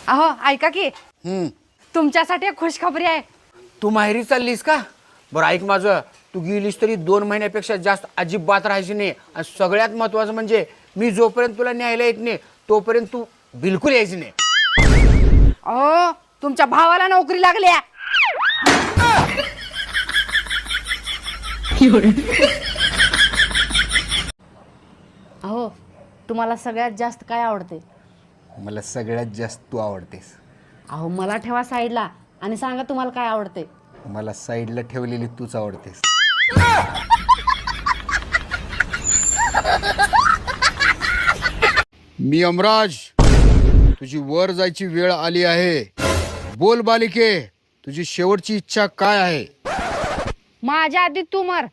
अहो ऐका की तुमच्यासाठी एक खुशखबरी आहे. तू माहेरी चाललीस का? बरं ऐक माझं, तू गेलीस तरी 2 महिन्यापेक्षा जास्त अजिबात राहायची नाही. आणि सगळ्यात महत्वाचं म्हणजे मी जोपर्यंत तुला न्यायला येत नाही तोपर्यंत तू बिलकुल यायची नाही. अहो तुमच्या भावाला नोकरी लागली आहे. अहो तुम्हाला सगळ्यात जास्त काय आवडते? मला सगळ्यात जास्त तू आवडतेस. अहो मला ठेवा साईडला आणि सांगा तुम्हाला काय आवडते. मला साईडला ठेवलेली तूच आवडतेस. मी यमराज, तुझी वर जायची वेळ आली आहे. बोल बालिके, तुझी शेवटची इच्छा काय आहे? माझ्या आधी तू मर.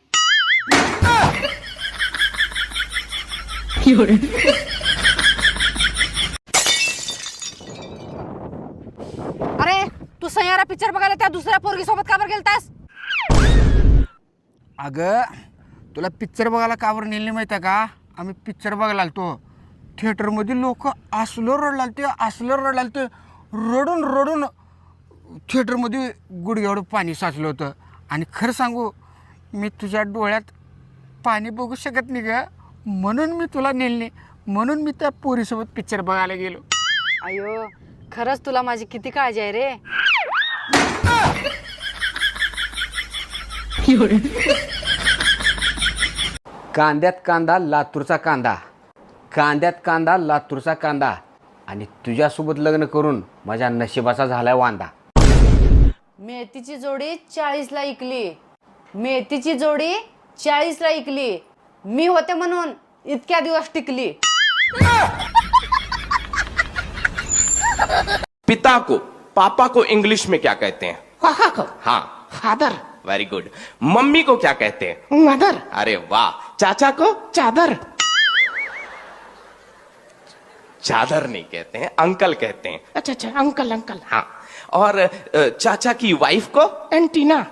अरे तू सैयारा पिक्चर बघायला त्या दुसऱ्या पोरगी सोबत का बरं गेलतास? अगं तुला पिक्चर बघायला का बरं नेले माहिती आहे का? आम्ही पिक्चर बघायला आलतो. थिएटरमध्ये लोक असलं रडलालते रडून रडून थिएटरमध्ये गुडघ्यावर पाणी साचलं होतं. आणि खरं सांगू, मी तुझ्या डोळ्यात पाणी बघू शकत नाही ग, म्हणून मी तुला नेले, म्हणून मी त्या पोरीसोबत पिक्चर बघायला गेलो. अयो खरंच तुला माझी किती काळजी आहे रे. कांद्यात कांदा लातूरचा कांदा, कांद्यात कांदा लातूरचा कांदा, आणि तुझ्यासोबत लग्न करून माझ्या नशिबाचा झालाय वांदा. मेथीची जोडी 40ला इकली, मेथीची जोडी 40ला इकली, मी होते म्हणून इतक्या दिवस टिकली. पिता को, पापा को इंग्लिश में क्या कहते हैं? पापा को हाँ, फादर, वेरी गुड. मम्मी को क्या कहते हैं? मदर, अरे वाह. चाचा को? चादर, चादर नहीं कहते हैं, अंकल कहते हैं. अच्छा अच्छा अंकल अंकल, हाँ. और चाचा की वाइफ को? एंटीना,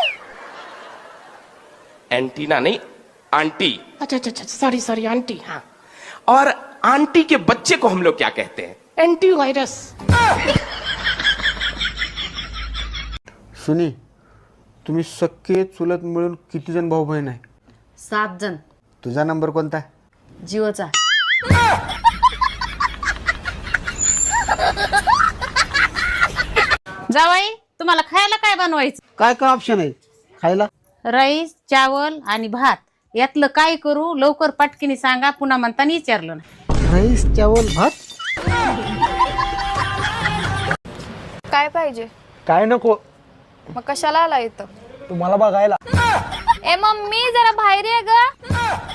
एंटीना नहीं, आंटी. अच्छा अच्छा अच्छा सॉरी सॉरी आंटी, हाँ. और आंटी के बच्चे को हम लोग क्या कहते हैं? Antivirus. सुनी, तुम्ही सख्खे चुलत मिळून किती जण भाऊ बहीण आहे? 7 जण. तुझा नंबर कोणता? जिओचा. जावाई तुम्हाला खायला काय बनवायचं? काय काय ऑप्शन आहे खायला? राईस, चावल आणि भात यातलं काय करू? लवकर पटकीने सांगा, पुन्हा म्हणताना विचारलं ना. राईस चावल भात. काय पाहिजे? काय नको, मग कशाला आला इथं? तुम्हाला बघायला. ए मम्मी जरा बाहेर ये ग.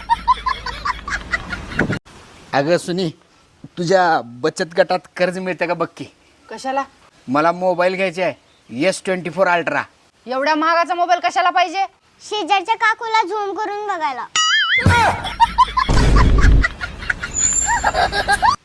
अगं सुनी, तुझ्या बचत गटात कर्ज मिळतं का बघ की. कशाला? मला मोबाईल घ्यायचा आहे, S24 अल्ट्रा. एवढ्या महागाचा मोबाईल कशाला पाहिजे? शेजारच्या काकूला झूम करून बघायला.